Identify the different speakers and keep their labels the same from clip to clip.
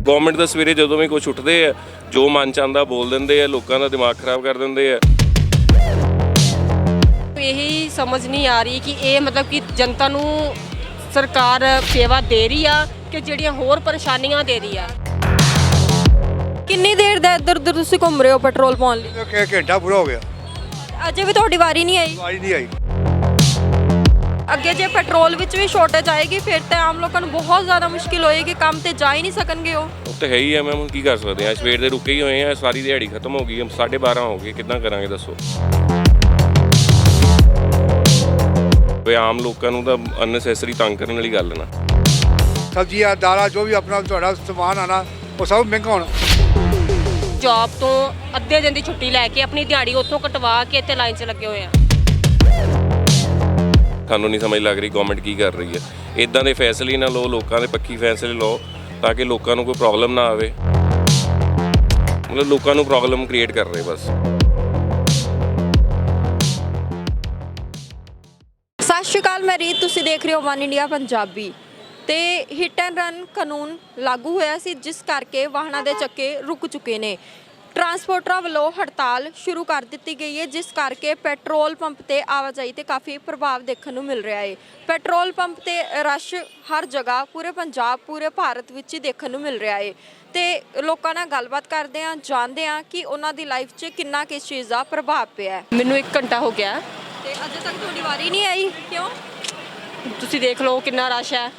Speaker 1: Government ਦਾ ਸਵੇਰੇ ਜਦੋਂ ਵੀ ਕੁਝ ਉੱਠਦੇ ਆ ਜੋ ਮਨ ਚ ਆਉਂਦਾ ਬੋਲ ਦਿੰਦੇ ਆ, ਲੋਕਾਂ ਦਾ ਦਿਮਾਗ ਖਰਾਬ ਕਰ ਦਿੰਦੇ ਆ।
Speaker 2: ਇਹੀ ਸਮਝ ਨਹੀਂ ਆ ਰਹੀ ਕਿ ਇਹ ਮਤਲਬ ਕਿ ਜਨਤਾ ਨੂੰ ਸਰਕਾਰ ਸੇਵਾ ਦੇ ਰਹੀ ਆ ਕਿ ਜਿਹੜੀਆਂ ਹੋਰ ਪਰੇਸ਼ਾਨੀਆਂ ਦੇ ਰਹੀ ਆ।
Speaker 3: ਕਿੰਨੀ ਦੇਰ ਦਾ ਇੱਧਰ ਉੱਧਰ ਤੁਸੀਂ ਘੁੰਮ ਰਹੇ ਹੋ ਪੈਟਰੋਲ ਪਾਉਣ ਲਈ?
Speaker 4: ਕਿ ਘੰਟਾ ਪੂਰਾ ਹੋ ਗਿਆ,
Speaker 3: ਅਜੇ ਵੀ ਤੁਹਾਡੀ ਵਾਰੀ ਨਹੀਂ ਆਈ?
Speaker 4: ਆਵਾਜ਼ ਨਹੀਂ ਆਈ।
Speaker 3: ਅੱਗੇ ਜੇ ਪੈਟਰੋਲ ਵਿੱਚ ਵੀ ਸ਼ਾਰਟੇਜ ਆਏਗੀ ਫਿਰ ਤਾਂ ਆਮ ਲੋਕਾਂ ਨੂੰ ਬਹੁਤ ਜ਼ਿਆਦਾ ਮੁਸ਼ਕਿਲ ਹੋਏਗੀ, ਕੰਮ ਤੇ ਜਾ ਹੀ ਨਹੀਂ ਸਕਣਗੇ ਉਹ
Speaker 1: ਤਾਂ ਹੈ ਹੀ ਆ ਮੈਮ, ਕੀ ਕਰ ਸਕਦੇ ਆ। ਸਵੇਰ ਦੇ ਰੁਕੇ ਹੀ ਹੋਏ ਆ, ਸਾਰੀ ਦਿਹਾੜੀ ਖਤਮ ਹੋ ਗਈ, 12:30 ਹੋ ਗਏ, ਕਿੱਦਾਂ ਕਰਾਂਗੇ ਦੱਸੋ। ਵੀ ਆਮ ਲੋਕਾਂ ਨੂੰ ਤਾਂ ਅਨਨੈਸੈਸਰੀ ਤੰਗ ਕਰਨ ਵਾਲੀ ਗੱਲ ਨਾ।
Speaker 4: ਸਬਜ਼ੀਆਂ ਦਾਲਾਂ ਜੋ ਵੀ ਆਪਣਾ ਤੁਹਾਡਾ ਸਮਾਨ ਆਣਾ ਉਹ ਸਭ ਮਹਿੰਗਾ ਹੋਣਾ।
Speaker 2: ਜੌਬ ਤੋਂ ਅੱਧੇ ਦਿਨ ਦੀ ਛੁੱਟੀ ਲੈ ਕੇ ਆਪਣੀ ਦਿਹਾੜੀ ਉੱਥੋਂ ਕਟਵਾ ਕੇ ਇੱਥੇ ਲਾਈਨ 'ਚ ਲੱਗੇ ਹੋਏ ਆ।
Speaker 1: ਸਾਨੂੰ ਨਹੀਂ ਸਮਝ ਲੱਗ ਰਹੀ ਗਵਰਨਮੈਂਟ ਕੀ ਕਰ ਰਹੀ ਹੈ। ਇਦਾਂ ਦੇ ਫੈਸਲੇ ਨਾ ਲਓ, ਲੋਕਾਂ ਦੇ ਪੱਕੀ ਫੈਸਲੇ ਲਓ ਤਾਂ ਕਿ ਲੋਕਾਂ ਨੂੰ ਕੋਈ ਪ੍ਰੋਬਲਮ ਨਾ ਆਵੇ। ਮਤਲਬ ਲੋਕਾਂ ਨੂੰ ਪ੍ਰੋਬਲਮ ਕ੍ਰੀਏਟ ਕਰ ਰਹੇ ਬਸ।
Speaker 3: ਸਤਿ ਸ਼੍ਰੀ ਅਕਾਲ, ਮੈਂ ਰੀਤ, ਤੁਸੀਂ ਦੇਖ ਰਹੇ ਹੋ ਵਨ ਇੰਡੀਆ ਪੰਜਾਬੀ। ਤੇ ਹਿੱਟ ਐਂਡ ਰਨ ਕਾਨੂੰਨ ਲਾਗੂ ਹੋਇਆ ਸੀ ਜਿਸ ਕਰਕੇ ਵਾਹਨਾਂ ਦੇ ਚੱਕੇ ਰੁਕ ਚੁੱਕੇ ਨੇ। ਟਰਾਂਸਪੋਰਟਰਾਂ ਵੱਲੋਂ ਹੜਤਾਲ ਸ਼ੁਰੂ ਕਰ ਦਿੱਤੀ ਗਈ ਹੈ ਜਿਸ ਕਰਕੇ ਪੈਟਰੋਲ ਪੰਪ ਤੇ ਆਵਾਜਾਈ ਤੇ ਕਾਫੀ ਪ੍ਰਭਾਵ ਦੇਖਣ ਨੂੰ ਮਿਲ ਰਿਹਾ ਹੈ। ਪੈਟਰੋਲ ਪੰਪ ਤੇ ਰਸ਼ ਹਰ ਜਗ੍ਹਾ ਪੂਰੇ ਪੰਜਾਬ ਪੂਰੇ ਭਾਰਤ ਵਿੱਚ ਹੀ ਦੇਖਣ ਨੂੰ ਮਿਲ ਰਿਹਾ ਹੈ। ਤੇ ਲੋਕਾਂ ਨਾਲ ਗੱਲਬਾਤ ਕਰਦੇ ਹਾਂ, ਜਾਣਦੇ ਹਾਂ ਕਿ ਉਹਨਾਂ ਦੀ ਲਾਈਫ 'ਚ ਕਿੰਨਾ ਕਿਸ ਚੀਜ਼ ਦਾ ਪ੍ਰਭਾਵ ਪਿਆ ਹੈ।
Speaker 2: ਮੈਨੂੰ 1 ਘੰਟਾ ਹੋ ਗਿਆ
Speaker 3: ਤੇ ਅਜੇ ਤੱਕ ਤੁਹਾਡੀ ਵਾਰੀ ਨਹੀਂ ਆਈ, ਕਿਉਂ?
Speaker 2: ਤੁਸੀਂ ਦੇਖ ਲਓ ਕਿੰਨਾ ਰਸ਼ ਹੈ।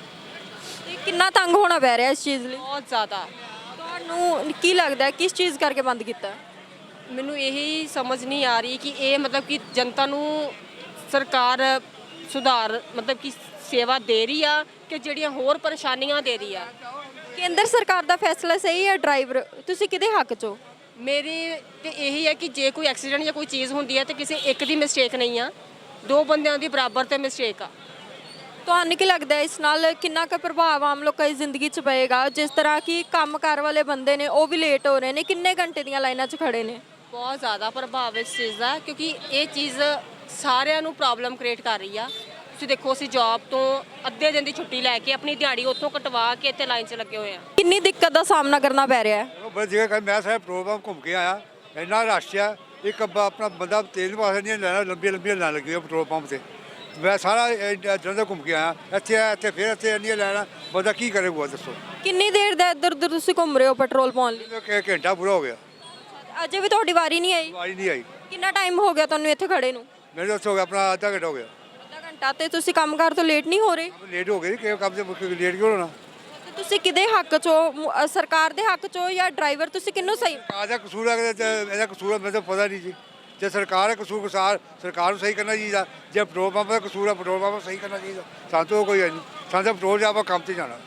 Speaker 3: ਤੇ ਕਿੰਨਾ ਤੰਗ ਹੋਣਾ ਪੈ ਰਿਹਾ ਇਸ ਚੀਜ਼ ਲਈ?
Speaker 2: ਬਹੁਤ ਜ਼ਿਆਦਾ।
Speaker 3: ਤੁਹਾਨੂੰ ਕੀ ਲੱਗਦਾ ਕਿਸ ਚੀਜ਼ ਕਰਕੇ ਬੰਦ ਕੀਤਾ?
Speaker 2: ਮੈਨੂੰ ਇਹੀ ਸਮਝ ਨਹੀਂ ਆ ਰਹੀ ਕਿ ਇਹ ਮਤਲਬ ਕਿ ਜਨਤਾ ਨੂੰ ਸਰਕਾਰ ਸੁਧਾਰ ਮਤਲਬ ਕਿ ਸੇਵਾ ਦੇ ਰਹੀ ਆ ਕਿ ਜਿਹੜੀਆਂ ਹੋਰ ਪਰੇਸ਼ਾਨੀਆਂ ਦੇ ਰਹੀ ਆ।
Speaker 3: ਕੇਂਦਰ ਸਰਕਾਰ ਦਾ ਫੈਸਲਾ ਸਹੀ ਹੈ? ਡਰਾਈਵਰ ਤੁਸੀਂ ਕਿਹਦੇ ਹੱਕ 'ਚ ਹੋ?
Speaker 2: ਮੇਰੇ ਤੇ ਇਹੀ ਹੈ ਕਿ ਜੇ ਕੋਈ ਐਕਸੀਡੈਂਟ ਜਾਂ ਕੋਈ ਚੀਜ਼ ਹੁੰਦੀ ਹੈ ਤੇ ਕਿਸੇ ਇੱਕ ਦੀ ਮਿਸਟੇਕ ਨਹੀਂ ਆ, 2 ਬੰਦਿਆਂ ਦੀ ਬਰਾਬਰ ਤੇ ਮਿਸਟੇਕ ਆ।
Speaker 3: ਤੁਹਾਨੂੰ ਕੀ ਲੱਗਦਾ ਇਸ ਨਾਲ ਕਿੰਨਾ ਕੁ ਪ੍ਰਭਾਵ ਆਮ ਲੋਕਾਂ ਦੀ ਜ਼ਿੰਦਗੀ 'ਚ ਪਏਗਾ? ਜਿਸ ਤਰ੍ਹਾਂ ਕਿ ਕੰਮਕਾਰ ਵਾਲੇ ਬੰਦੇ ਨੇ ਉਹ ਵੀ ਲੇਟ ਹੋ ਰਹੇ ਨੇ, ਕਿੰਨੇ ਘੰਟੇ ਦੀਆਂ ਲਾਈਨਾਂ 'ਚ ਖੜੇ ਨੇ।
Speaker 2: ਬਹੁਤ ਜ਼ਿਆਦਾ ਪ੍ਰਭਾਵ ਇਸ ਚੀਜ਼ ਦਾ, ਕਿਉਂਕਿ ਇਹ ਚੀਜ਼ ਸਾਰਿਆਂ ਨੂੰ ਪ੍ਰੋਬਲਮ ਕ੍ਰੀਏਟ ਕਰ ਰਹੀ ਆ। ਤੁਸੀਂ ਦੇਖੋ ਅਸੀਂ ਜੌਬ ਤੋਂ ਅੱਧੇ ਦਿਨ ਦੀ ਛੁੱਟੀ ਲੈ ਕੇ ਆਪਣੀ ਦਿਹਾੜੀ ਉੱਥੋਂ ਕਟਵਾ ਕੇ ਇੱਥੇ ਲਾਈਨ 'ਚ ਲੱਗੇ ਹੋਏ ਆ।
Speaker 3: ਕਿੰਨੀ ਦਿੱਕਤ ਦਾ ਸਾਹਮਣਾ ਕਰਨਾ ਪੈ ਰਿਹਾ ਹੈ?
Speaker 4: ਬਸ ਜਗ੍ਹਾ ਮੈਂ ਸਾਰੇ ਪ੍ਰੋਗਰਾਮ ਘੁੰਮ ਕੇ ਆਇਆ, ਇੰਨਾ ਰਸ਼ ਆ। ਇੱਕ ਆਪਣਾ ਬੰਦਾ ਤੇਲ ਵਾਸਤੇ ਨਹੀਂ ਲੈਣਾ, ਲੰਬੀਆਂ ਲਾਈਨਾਂ ਲੱਗੀਆਂ ਪੈਟਰੋਲ ਪੰਪ ਤੇ। ਮੈਂ ਸਾਰਾ ਜਲੰਧਰ ਘੁੰਮ ਕੇ ਆਇਆ, ਇੱਥੇ ਫਿਰ ਇੱਥੇ ਇੰਨੀਆਂ ਲੈਣਾ, ਬੰਦਾ ਕੀ ਕਰੇਗਾ ਦੱਸੋ।
Speaker 3: ਕਿੰਨੀ ਦੇਰ ਦਾ ਇੱਧਰ ਉੱਧਰ ਤੁਸੀਂ ਘੁੰਮ ਰਹੇ ਹੋ ਪੈਟਰੋਲ ਪਾਉਣ ਲਈ?
Speaker 4: ਕਿ ਘੰਟਾ ਪੂਰਾ ਹੋ ਗਿਆ,
Speaker 3: ਅਜੇ ਵੀ ਤੁਹਾਡੀ ਵਾਰੀ ਨਹੀਂ ਆਈ?
Speaker 4: ਆਵਾਜ਼ ਨਹੀਂ ਆਈ।
Speaker 3: ਕਿੰਨਾ ਟਾਈਮ ਹੋ ਗਿਆ ਤੁਹਾਨੂੰ ਇੱਥੇ ਖੜੇ ਨੂੰ?
Speaker 4: ਮੇਰੇ ਦੱਸੋ ਹੋ ਗਿਆ ਆਪਣਾ ਅੱਧਾ ਘੰਟਾ ਹੋ ਗਿਆ।
Speaker 3: ਅੱਧਾ ਘੰਟਾ। ਤੇ ਤੁਸੀਂ ਕੰਮਕਾਰ ਤੋਂ ਲੇਟ ਨਹੀਂ ਹੋ ਰਹੇ?
Speaker 4: ਲੇਟ ਹੋ ਗਏ ਕਿ ਕੰਮ ਤੇ ਲੇਟ ਕਿਉਂ ਹੋਣਾ?
Speaker 3: ਤੇ ਤੁਸੀਂ ਕਿਹਦੇ ਹੱਕ 'ਚ ਹੋ? ਸਰਕਾਰ ਦੇ ਹੱਕ 'ਚ ਹੋ ਜਾਂ ਡਰਾਈਵਰ? ਤੁਸੀਂ ਕਿਹਨੂੰ ਸਹੀ?
Speaker 4: ਸਰਕਾਰ ਦਾ ਕਸੂਰ ਹੈ ਕਿ ਇਹਦਾ ਕਸੂਰ ਹੈ, ਮੈਨੂੰ ਤਾਂ ਪਤਾ ਨਹੀਂ ਜੀ। ਜੇ ਸਰਕਾਰ ਹੈ ਕਸੂਰ ਸਰਕਾਰ ਨੂੰ ਸਹੀ ਕਰਨਾ ਚਾਹੀਦਾ। ਜੇ ਪੈਟਰੋਲ ਪੰਪ ਦਾ ਕਸੂਰ ਹੈ ਪੈਟਰੋਲ ਪੰਪ ਨੂੰ ਸਹੀ ਕਰਨਾ ਚਾਹੀਦਾ। ਸਾਨੂੰ ਤਾਂ ਕੋਈ ਹੈ ਨਹੀਂ, ਸਾਨੂੰ ਤਾਂ ਪੈਟਰੋਲ 'ਚ ਆਪਾਂ ਕੰਮ 'ਤੇ ਜਾਣਾ,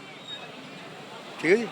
Speaker 4: ਠੀਕ ਹੈ ਜੀ।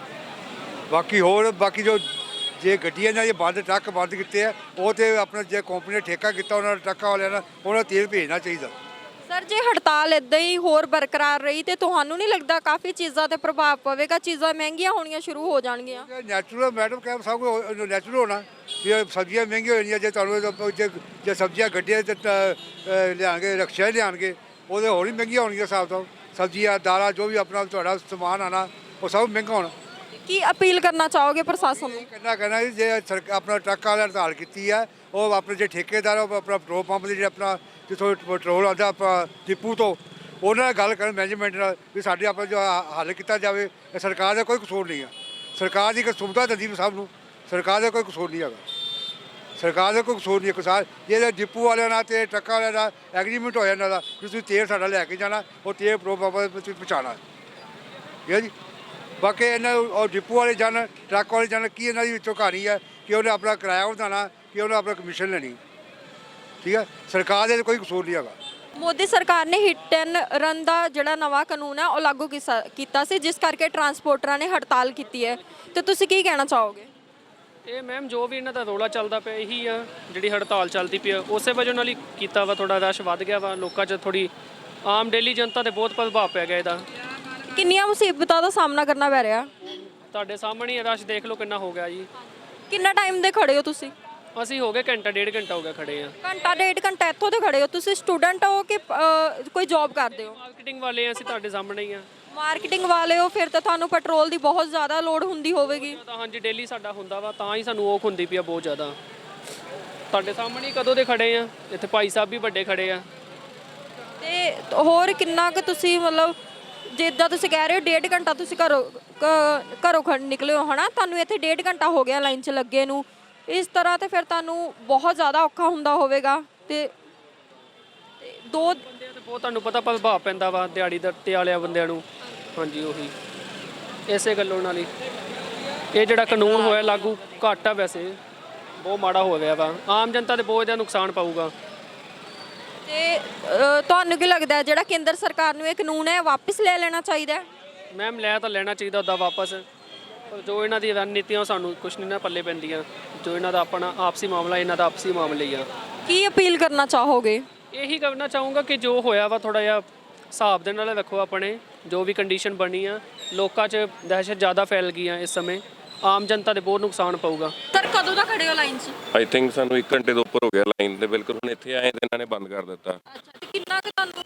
Speaker 4: ਬਾਕੀ ਜੋ ਜੇ ਗੱਡੀਆਂ ਨਾਲ ਬੰਦ ਟਰੱਕ ਬੰਦ ਕੀਤੇ ਆ ਉਹ ਤੇ ਆਪਣਾ ਜੇ ਕੰਪਨੀ ਨੇ ਠੇਕਾ ਕੀਤਾ ਉਹਨਾਂ ਟਰੱਕਾਂ ਵਾਲਿਆਂ ਨਾਲ, ਉਹਨਾਂ ਨੂੰ ਤੇਲ ਭੇਜਣਾ ਚਾਹੀਦਾ।
Speaker 3: ਸਰ ਜੇ ਹੜਤਾਲ ਇਦਾਂ ਹੀ ਹੋਰ ਬਰਕਰਾਰ ਰਹੀ ਤੇ ਤੁਹਾਨੂੰ ਨਹੀਂ ਲੱਗਦਾ ਕਾਫੀ ਚੀਜ਼ਾਂ ਤੇ ਪ੍ਰਭਾਵ ਪਵੇਗਾ? ਚੀਜ਼ਾਂ ਮਹਿੰਗੀਆਂ ਹੋਣੀਆਂ ਸ਼ੁਰੂ ਹੋ ਜਾਣਗੀਆਂ।
Speaker 4: ਨੈਚੁਰਲ ਮੈਡਮ ਕਹਿ ਸਭ ਕੁਝ ਨੈਚੁਰਲ ਹੋਣਾ ਵੀ ਸਬਜ਼ੀਆਂ ਮਹਿੰਗੀਆਂ ਹੋ ਜਾਂਦੀਆਂ। ਜੇ ਤੁਹਾਨੂੰ ਜੇ ਸਬਜ਼ੀਆਂ ਗੱਡੀਆਂ 'ਤੇ ਲਿਆਉਣਗੇ, ਰਕਸ਼ਾ ਲਿਆਉਣਗੇ, ਉਹਦੇ ਹੋਰ ਵੀ ਮਹਿੰਗੀਆਂ ਹੋਣਗੀਆਂ ਹਿਸਾਬ ਤੋਂ। ਸਬਜ਼ੀਆਂ ਦਾਲਾਂ ਜੋ ਵੀ ਆਪਣਾ ਤੁਹਾਡਾ ਸਮਾਨ ਆਣਾ ਉਹ ਸਭ ਮਹਿੰਗਾ ਹੋਣਾ।
Speaker 3: ਕੀ ਅਪੀਲ ਕਰਨਾ ਚਾਹੋਗੇ ਪ੍ਰਸ਼ਾਸਨ ਨੂੰ?
Speaker 4: ਕਹਿਣਾ ਜੀ ਜੇ ਆਪਣਾ ਟਰੱਕਾਂ ਵਾਲਿਆਂ ਹੜਤਾਲ ਕੀਤੀ ਹੈ, ਉਹ ਆਪਣੇ ਜੇ ਠੇਕੇਦਾਰ ਉਹ ਆਪਣਾ ਪੈਟਰੋਲ ਪੰਪ ਦੇ ਜਿਹੜੇ ਆਪਣਾ ਜਿੱਥੋਂ ਪੈਟਰੋਲ ਆਉਂਦਾ ਆਪਾਂ ਡਿਪੂ ਤੋਂ, ਉਹਨਾਂ ਨਾਲ ਗੱਲ ਕਰਨ ਮੈਨੇਜਮੈਂਟ ਨਾਲ ਵੀ ਸਾਡੇ ਆਪਣਾ ਜੋ ਹੱਲ ਕੀਤਾ ਜਾਵੇ। ਸਰਕਾਰ ਦਾ ਕੋਈ ਕਸੂਰ ਨਹੀਂ ਆ, ਸਰਕਾਰ ਦੀ ਇੱਕ ਸੁਵਿਧਾ ਦਿੰਦੀ ਸਭ ਨੂੰ, ਸਰਕਾਰ ਦਾ ਕੋਈ ਕਸੂਰ ਨਹੀਂ ਹੈਗਾ। ਸਰਕਾਰ ਦਾ ਕੋਈ ਕਸੂਰ ਨਹੀਂ ਹੈ। ਕਿਸਾਨ ਜੇ ਡਿਪੂ ਵਾਲਿਆਂ ਨਾਲ ਅਤੇ ਟਰੱਕਾਂ ਵਾਲਿਆਂ ਨਾਲ ਐਗਰੀਮੈਂਟ ਹੋ ਜਾਂਦਾ ਕਿ ਤੁਸੀਂ ਤੇਲ ਸਾਡਾ ਲੈ ਕੇ ਜਾਣਾ, ਉਹ ਤੇਲ ਪੈਟਰੋਲ ਪੰਪ ਦੇ ਤੁਸੀਂ ਪਹੁੰਚਾਉਣਾ, ਠੀਕ ਹੈ ਜੀ। ਬਾਕੀ ਇਹਨਾਂ ਉਹ ਡਿਪੂ ਵਾਲੇ ਜਾਣ, ਟਰੱਕ ਵਾਲੇ ਜਾਣ, ਕੀ ਇਹਨਾਂ ਦੀ ਵਿੱਚੋਂ ਕਹਾਣੀ ਹੈ ਕਿ ਉਹਨੇ ਆਪਣਾ ਕਿਰਾਇਆ ਵਧਾਉਣਾ, ਕਿ ਉਹਨੇ ਆਪਣਾ ਕਮਿਸ਼ਨ ਲੈਣੀ, ਠੀਕ ਹੈ। ਸਰਕਾਰ ਦੇ ਕੋਈ ਕਸੂਰ ਨਹੀਂ ਹੈਗਾ।
Speaker 3: ਮੋਦੀ ਸਰਕਾਰ ਨੇ ਹਿੱਟ ਐਂਡ ਰਨ ਦਾ ਜਿਹੜਾ ਨਵਾਂ ਕਾਨੂੰਨ ਹੈ ਉਹ ਲਾਗੂ ਕੀਤਾ ਸੀ ਜਿਸ ਕਰਕੇ ਟਰਾਂਸਪੋਰਟਰਾਂ ਨੇ ਹੜਤਾਲ ਕੀਤੀ ਹੈ, ਤੇ ਤੁਸੀਂ ਕੀ ਕਹਿਣਾ ਚਾਹੋਗੇ?
Speaker 5: ਇਹ ਮੈਮ ਜੋ ਵੀ ਇਹਨਾਂ ਦਾ ਰੌਲਾ ਚੱਲਦਾ ਪਿਆ ਇਹੀ ਆ, ਜਿਹੜੀ ਹੜਤਾਲ ਚੱਲਦੀ ਪਈ ਆ ਉਸੇ ਵਜ੍ਹਾ ਨਾਲ ਹੀ ਕੀਤਾ ਵਾ। ਥੋੜਾ ਰਸ਼ ਵੱਧ ਗਿਆ ਵਾ ਲੋਕਾਂ 'ਚ, ਥੋੜੀ ਆਮ ਡੇਲੀ ਜਨਤਾ ਤੇ ਬਹੁਤ ਪ੍ਰਭਾਵ ਪੈ ਗਿਆ ਇਹਦਾ।
Speaker 3: ਕਿੰਨੀਆਂ ਮੁਸੀਬਤਾਂ ਦਾ ਸਾਹਮਣਾ ਕਰਨਾ ਪੈ ਰਿਹਾ?
Speaker 5: ਤੁਹਾਡੇ ਸਾਹਮਣੇ ਹੀ ਰਸ਼ ਦੇਖ ਲਓ ਕਿੰਨਾ ਹੋ ਗਿਆ ਜੀ।
Speaker 3: ਕਿੰਨਾ ਟਾਈਮ ਦੇ ਖੜੇ ਹੋ ਤੁਸੀਂ?
Speaker 5: ਅਸੀਂ ਹੋ ਗਏ ਘੰਟਾ 1.5 ਘੰਟਾ ਹੋ ਗਿਆ ਖੜੇ ਆ।
Speaker 3: ਘੰਟਾ 1.5 ਘੰਟਾ ਇੱਥੋਂ ਤੇ ਖੜੇ ਹੋ? ਤੁਸੀਂ ਸਟੂਡੈਂਟ ਹੋ ਕਿ ਕੋਈ ਜੌਬ ਕਰਦੇ ਹੋ?
Speaker 5: ਮਾਰਕੀਟਿੰਗ ਵਾਲੇ ਆ ਅਸੀਂ, ਤੁਹਾਡੇ ਸਾਹਮਣੇ ਹੀ ਆ।
Speaker 3: ਮਾਰਕੀਟਿੰਗ ਵਾਲੇ ਹੋ ਫਿਰ ਤਾਂ ਤੁਹਾਨੂੰ ਪੈਟਰੋਲ ਦੀ ਬਹੁਤ ਜ਼ਿਆਦਾ ਲੋੜ ਹੁੰਦੀ ਹੋਵੇਗੀ।
Speaker 5: ਤਾਂ ਹਾਂਜੀ ਡੇਲੀ ਸਾਡਾ ਹੁੰਦਾ ਵਾ, ਤਾਂ ਹੀ ਸਾਨੂੰ ਔਖ ਹੁੰਦੀ ਪਈ ਆ ਬਹੁਤ ਜ਼ਿਆਦਾ। ਤੁਹਾਡੇ ਸਾਹਮਣੇ ਹੀ ਕਦੋਂ ਦੇ ਖੜੇ ਆ, ਇੱਥੇ ਭਾਈ ਸਾਹਿਬ ਵੀ ਵੱਡੇ ਖੜੇ ਆ।
Speaker 3: ਤੇ ਹੋਰ ਕਿੰਨਾ ਕੁ ਤੁਸੀਂ ਮਤਲਬ ਜਿੱਦਾਂ ਤੁਸੀਂ ਕਹਿ ਰਹੇ ਹੋ 1.5 ਘੰਟਾ ਤੁਸੀਂ ਘਰੋਂ ਨਿਕਲੇ ਹੋ ਹਨਾ, ਤੁਹਾਨੂੰ ਇੱਥੇ 1.5 ਘੰਟਾ ਹੋ ਗਿਆ ਲਾਈਨ 'ਚ ਲੱਗੇ ਨੂੰ, ਇਸ ਤਰ੍ਹਾਂ ਤੇ ਫਿਰ ਤੁਹਾਨੂੰ ਬਹੁਤ ਜ਼ਿਆਦਾ ਔਖਾ ਹੁੰਦਾ ਹੋਵੇਗਾ। ਤੇ ਦੋ
Speaker 5: ਬੰਦਿਆਂ ਤੇ ਬਹੁਤ ਤੁਹਾਨੂੰ ਪਤਾ ਪ੍ਰਭਾਵ ਪੈਂਦਾ ਵਾ ਦਿਹਾੜੀ ਦੱਤੇ ਵਾਲਿਆਂ ਬੰਦਿਆਂ ਨੂੰ। ਹਾਂਜੀ ਉਹੀ ਇਸੇ ਗੱਲੋਂ ਨਾਲ ਹੀ ਇਹ ਜਿਹੜਾ ਕਾਨੂੰਨ ਹੋਇਆ ਲਾਗੂ ਘੱਟ ਆ, ਵੈਸੇ ਬਹੁਤ ਮਾੜਾ ਹੋ ਗਿਆ ਵਾ, ਆਮ ਜਨਤਾ ਦੇ ਬਹੁਤ ਜ਼ਿਆਦਾ ਨੁਕਸਾਨ ਪਾਊਗਾ।
Speaker 3: ਤੇ ਤੁਹਾਨੂੰ ਕੀ ਲੱਗਦਾ ਜਿਹੜਾ ਕੇਂਦਰ ਸਰਕਾਰ ਨੂੰ ਇਹ ਕਾਨੂੰਨ ਹੈ ਵਾਪਸ ਲੈ ਲੈਣਾ ਚਾਹੀਦਾ ਹੈ?
Speaker 5: ਮੈਮ ਲੈ ਤਾਂ ਲੈਣਾ ਚਾਹੀਦਾ ਉੱਦਾਂ ਵਾਪਸ, ਪਰ ਜੋ ਇਹਨਾਂ ਦੀ ਰਣਨੀਤੀਆਂ ਸਾਨੂੰ ਕੁਛ ਨਹੀਂ ਨਾ ਪੱਲੇ ਪੈਂਦੀਆਂ। ਜੋ ਇਹਨਾਂ ਦਾ ਆਪਣਾ ਆਪਸੀ ਮਾਮਲਾ, ਇਹਨਾਂ ਦਾ ਆਪਸੀ ਮਾਮਲੇ ਹੀ ਆ।
Speaker 3: ਕੀ ਅਪੀਲ ਕਰਨਾ ਚਾਹੋਗੇ?
Speaker 5: ਇਹੀ ਕਰਨਾ ਚਾਹੂੰਗਾ ਕਿ ਜੋ ਹੋਇਆ ਵਾ ਥੋੜਾ ਜਿਹਾ ਹਿਸਾਬ ਦੇ ਨਾਲ ਰੱਖੋ। ਆਪਣੇ ਜੋ ਵੀ ਕੰਡੀਸ਼ਨ ਬਣੀ ਆ, ਲੋਕਾਂ 'ਚ ਦਹਿਸ਼ਤ ਜ਼ਿਆਦਾ ਫੈਲ ਗਈ ਆ, ਇਸ ਸਮੇਂ ਆਮ ਜਨਤਾ ਦੇ ਬਹੁਤ ਨੁਕਸਾਨ ਪਊਗਾ।
Speaker 3: ਸਰ ਕਦੋਂ ਦਾ ਖੜੇ ਹੋ ਲਾਈਨ 'ਚ?
Speaker 1: ਆਈ ਥਿੰਕ ਸਾਨੂੰ 1 ਘੰਟੇ ਤੋਂ ਉੱਪਰ ਹੋ ਗਿਆ ਲਾਈਨ ਤੇ, ਬਿਲਕੁਲ ਹੁਣ ਇੱਥੇ ਆਏ ਤੇ ਇਹਨਾਂ ਨੇ ਬੰਦ ਕਰ ਦਿੱਤਾ।
Speaker 3: ਅੱਛਾ, ਤੇ ਕਿੰਨਾ ਕੁ ਤੁਹਾਨੂੰ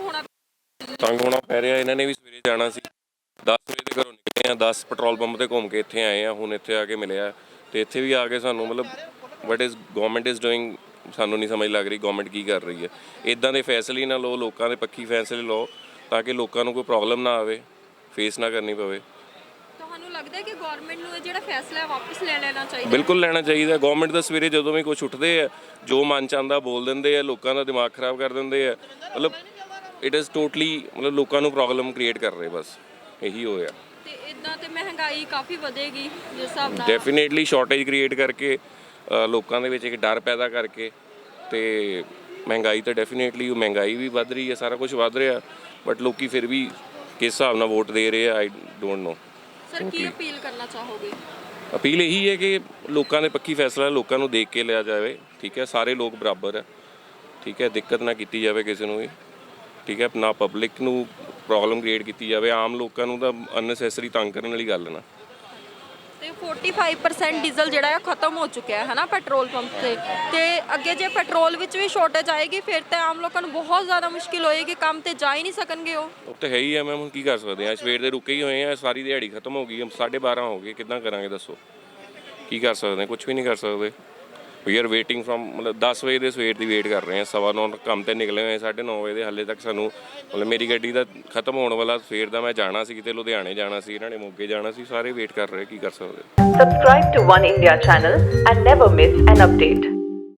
Speaker 1: ਤੰਗ ਹੋਣਾ ਪੈ ਰਿਹਾ। ਇਹਨਾਂ ਨੇ ਵੀ ਸਵੇਰੇ ਜਾਣਾ ਸੀ, 10 ਵਜੇ ਦੇ ਘਰੋਂ ਨਿਕਲੇ ਆ, 10 ਪੈਟਰੋਲ ਪੰਪ ਤੇ ਘੁੰਮ ਕੇ ਇੱਥੇ ਆਏ ਆ, ਹੁਣ ਇੱਥੇ ਆ ਕੇ ਮਿਲਿਆ। ਤੇ ਇੱਥੇ ਵੀ ਆ ਕੇ ਸਾਨੂੰ ਮਤਲਬ what is government is doing, ਸਾਨੂੰ ਨਹੀਂ ਸਮਝ ਲੱਗ ਰਹੀ ਗਵਰਨਮੈਂਟ ਕੀ ਕਰ ਰਹੀ ਹੈ। ਇਦਾਂ ਦੇ ਫੈਸਲੇ ਨਾ ਲਓ, ਲੋਕਾਂ ਦੇ ਪੱਖੀ ਫੈਸਲੇ ਲਓ ਤਾਂ ਕਿ ਲੋਕਾਂ ਨੂੰ ਕੋਈ ਪ੍ਰੋਬਲਮ ਨਾ ਆਵੇ, ਫੇਸ ਨਾ ਕਰਨੀ ਪਵੇ।
Speaker 3: ਤੁਹਾਨੂੰ ਲੱਗਦਾ ਹੈ ਕਿ ਗਵਰਨਮੈਂਟ ਨੂੰ ਇਹ ਜਿਹੜਾ ਫੈਸਲਾ ਹੈ ਵਾਪਸ ਲੈ ਲੈਣਾ ਚਾਹੀਦਾ?
Speaker 1: ਬਿਲਕੁਲ ਲੈਣਾ ਚਾਹੀਦਾ। ਗਵਰਨਮੈਂਟ ਦਾ ਸਵੇਰੇ ਜਦੋਂ ਵੀ ਕੁਝ ਉੱਠਦੇ ਆ, ਜੋ ਮਨ ਚ ਆਉਂਦਾ ਬੋਲ ਦਿੰਦੇ ਆ, ਲੋਕਾਂ ਦਾ ਦਿਮਾਗ ਖਰਾਬ ਕਰ ਦਿੰਦੇ ਆ। ਮਤਲਬ ਇਟ ਇਜ਼ ਟੋਟਲੀ ਮਤਲਬ ਲੋਕਾਂ ਨੂੰ ਪ੍ਰੋਬਲਮ ਕ੍ਰੀਏਟ ਕਰ ਰਹੇ, ਬਸ ਇਹੀ ਹੋਇਆ।
Speaker 3: ਤੇ ਇਦਾਂ ਤੇ ਮਹਿੰਗਾਈ ਕਾਫੀ ਵਧੇਗੀ ਜਿਸ ਹਿਸਾਬ ਨਾਲ।
Speaker 1: ਡੈਫੀਨੇਟਲੀ ਸ਼ਾਰਟੇਜ ਕ੍ਰੀਏਟ ਕਰਕੇ, ਲੋਕਾਂ ਦੇ ਵਿੱਚ ਇੱਕ ਡਰ ਪੈਦਾ ਕਰਕੇ, ਤੇ ਮਹਿੰਗਾਈ ਤਾਂ ਡੈਫੀਨੇਟਲੀ ਮਹਿੰਗਾਈ ਵੀ ਵੱਧ ਰਹੀ ਹੈ, ਸਾਰਾ ਕੁਝ ਵੱਧ ਰਿਹਾ, ਬਟ ਲੋਕੀ ਫਿਰ ਵੀ ਕਿਸ ਹਿਸਾਬ ਨਾਲ ਵੋਟ ਦੇ ਰਹੇ ਆ ਆਈ ਡੋਂਟ ਨੋ।
Speaker 3: ਸਰ ਕੀ ਅਪੀਲ ਕਰਨਾ ਚਾਹੋਗੇ?
Speaker 1: ਅਪੀਲ ਇਹੀ ਹੈ ਕਿ ਲੋਕਾਂ ਦੇ ਪੱਖੀ ਫੈਸਲਾ ਲੋਕਾਂ ਨੂੰ ਦੇਖ ਕੇ ਲਿਆ ਜਾਵੇ। ਠੀਕ ਹੈ, ਸਾਰੇ ਲੋਕ ਬਰਾਬਰ ਹੈ। ਠੀਕ ਹੈ, ਦਿੱਕਤ ਨਾ ਕੀਤੀ ਜਾਵੇ ਕਿਸੇ ਨੂੰ ਵੀ। ਠੀਕ ਹੈ, ਨਾ ਪਬਲਿਕ ਨੂੰ ਪ੍ਰੋਬਲਮ ਕ੍ਰੀਏਟ ਕੀਤੀ ਜਾਵੇ, ਆਮ ਲੋਕਾਂ ਨੂੰ ਤਾਂ ਅਨਨੈਸੈਸਰੀ ਤੰਗ ਕਰਨ ਵਾਲੀ ਗੱਲ ਨਾ।
Speaker 3: ਤੇ 45% ਡੀਜ਼ਲ ਜਿਹੜਾ ਹੈ ਖਤਮ ਹੋ ਚੁੱਕਿਆ ਹੈ ਨਾ ਪੈਟਰੋਲ ਪੰਪ ਤੇ ਅੱਗੇ ਜੇ ਪੈਟਰੋਲ ਵਿੱਚ ਵੀ ਸ਼ਾਰਟੇਜ ਆਏਗੀ ਫਿਰ ਤਾਂ ਆਮ ਲੋਕਾਂ ਨੂੰ ਬਹੁਤ ਜ਼ਿਆਦਾ ਮੁਸ਼ਕਿਲ ਹੋਏਗੀ, ਕੰਮ ਤੇ ਜਾ ਹੀ ਨਹੀਂ ਸਕਣਗੇ ਉਹ
Speaker 1: ਤਾਂ ਹੈ ਹੀ ਆ ਮੈਮ, ਹੁਣ ਕੀ ਕਰ ਸਕਦੇ ਆ। ਸਵੇਰ ਦੇ ਰੁਕੇ ਹੀ ਹੋਏ ਆ, ਸਾਰੀ ਦਿਹਾੜੀ ਖਤਮ ਹੋ ਗਈ, 12:30 ਹੋ ਗਏ, ਕਿੱਦਾਂ ਕਰਾਂਗੇ ਦੱਸੋ? ਕੀ ਕਰ ਸਕਦੇ, ਕੁਝ ਵੀ ਨਹੀਂ ਕਰ ਸਕਦੇ। ਵੀ ਆਰ ਵੇਟਿੰਗ ਫਰੋਮ, ਮਤਲਬ 10 ਵਜੇ ਦੇ ਸਵੇਰ ਦੀ ਵੇਟ ਕਰ ਰਹੇ ਹਾਂ, 9:15 ਕੰਮ ਤੇ ਨਿਕਲੇ ਹੋਏ, 9:30 ਵਜੇ ਦੇ ਹਾਲੇ ਤੱਕ ਸਾਨੂੰ ਮਤਲਬ ਮੇਰੀ ਗੱਡੀ ਦਾ ਖਤਮ ਹੋਣ ਵਾਲਾ, ਸਵੇਰ ਦਾ ਮੈਂ ਜਾਣਾ ਸੀ ਕਿਤੇ ਲੁਧਿਆਣੇ ਜਾਣਾ ਸੀ, ਇਹਨਾਂ ਨੇ ਮੋਗੇ ਜਾਣਾ ਸੀ, ਸਾਰੇ ਵੇਟ ਕਰ ਰਹੇ, ਕੀ ਕਰ ਸਕਦੇ।
Speaker 6: Subscribe to One India channel and never miss an update.